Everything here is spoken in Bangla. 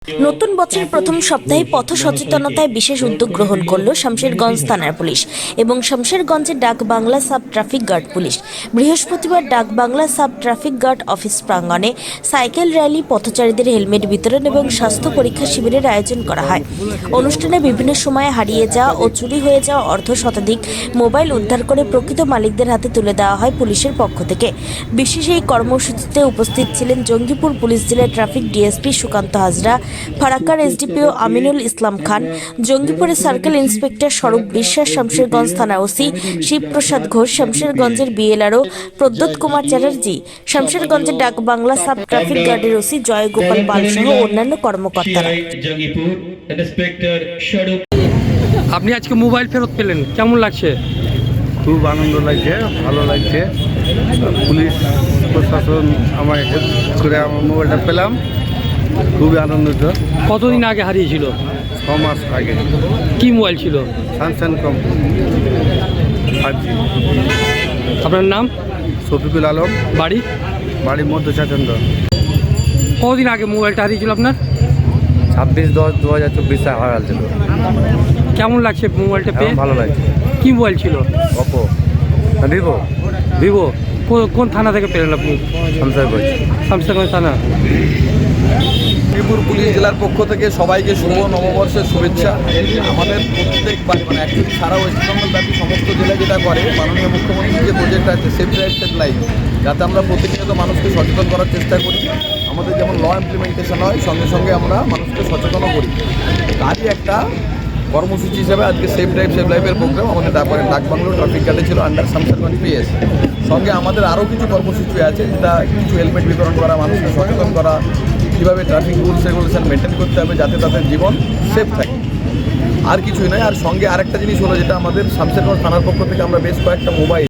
নতুন বছরের প্রথম সপ্তাহে পথ সচেতনতায় বিশেষ উদ্যোগ গ্রহণ করল শামশেরগঞ্জ থানার পুলিশ এবং শামশেরগঞ্জের ডাক Bangla sub traffic guard police. বৃহস্পতিবার Dak Bangla sub traffic guard office প্রাঙ্গণে সাইকেল র্যালি, পথচারীদের হেলমেট বিতরণ এবং স্বাস্থ্য পরীক্ষা শিবিরের আয়োজন করা হয়। অনুষ্ঠানে বিভিন্ন সময়ে হারিয়ে যাওয়া ও চুরি হয়ে যাওয়া অর্ধ শতাধিক মোবাইল উদ্ধার করে প্রকৃত মালিকদের হাতে তুলে দেওয়া হয় পুলিশের পক্ষ থেকে। বিশেষ এই কর্মসূচিতে উপস্থিত ছিলেন জঙ্গিপুর পুলিশ জেলার ট্রাফিক ডিএসপি সুকান্ত হাজরা, ফারাক্কার এসডিপিও আমিনুল ইসলাম খান, জঙ্গিপুরের সার্কেল ইন্সপেক্টর স্বরূপ বিশ্বাস, শামশেরগঞ্জ থানা ওসি শিবপ্রসাদ ঘোষ, শামশেরগঞ্জের বিএলআরও প্রদ্যোৎ কুমার চ্যাটার্জি, শামশেরগঞ্জের ডাক বাংলা সাব ট্রাফিক গার্ডের ওসি জয় গোপাল পাল সহ অন্যান্য কর্মকর্তারা। আপনি আজকে মোবাইল ফেরত পেলেন, কেমন লাগছে? খুব আনন্দ লাগছে, ভালো লাগছে। পুলিশ প্রশাসন আমায় হেল্প করে আমার মোবাইলটা পেলাম, খুবই আনন্দিত। কতদিন আগে হারিয়েছিল? 6 মাস আগে। কি মোবাইল ছিল? Samsung company 5G। আপনার নাম? শফিকুল আলম, বাড়ি? বাড়ি মধ্য চাচন্দ্র। কতদিন আগে মোবাইলটা হারিয়েছিল আপনার? 26/10/2024 হারাল। কেমন লাগছে মোবাইলটা পেয়ে? ভালো লাগছে। কি মোবাইল ছিল? Oppo, Vivo. ভিভো। কোন থানা থেকে পেলেন আপনি? শামশেরগঞ্জ। শামশেরগঞ্জ থানা। জঙ্গিপুর পুলিশ জেলার পক্ষ থেকে সবাইকে শুভ নববর্ষের শুভেচ্ছা। আমাদের প্রত্যেকবার অ্যাকচুয়ালি সারা ওয়েস্ট বেঙ্গল ব্যাপী সমস্ত জেলা যেটা করে, মাননীয় মুখ্যমন্ত্রীর যে প্রজেক্ট আছে সেফ ড্রাইভ সেভ লাইফ, যাতে আমরা প্রতিনিয়ত মানুষকে সচেতন করার চেষ্টা করি। আমাদের যেমন ল ইমপ্লিমেন্টেশন হয়, সঙ্গে সঙ্গে আমরা মানুষকে সচেতনও করি। তারই একটা কর্মসূচি হিসেবে আজকে সেফ ড্রাইভ সেভ লাইফের প্রোগ্রাম আমাদের ডাক বাংলো ট্রাফিক গার্ডে ছিল আন্ডার শামশেরগঞ্জ পিএস। সঙ্গে আমাদের আরও কিছু কর্মসূচি আছে, যেটা কিছু হেলমেট বিতরণ করা, মানুষকে সচেতন করা, কীভাবে ট্রাফিক রুলস রেগুলেশন মেনটেন করতে হবে যাতে তাদের জীবন সেফ থাকে, আর কিছুই নয়। আর সঙ্গে আরেকটা জিনিস হলো, যেটা আমাদের শামশেরগঞ্জ থানার পক্ষ থেকে আমরা বেশ কয়েকটা মোবাইল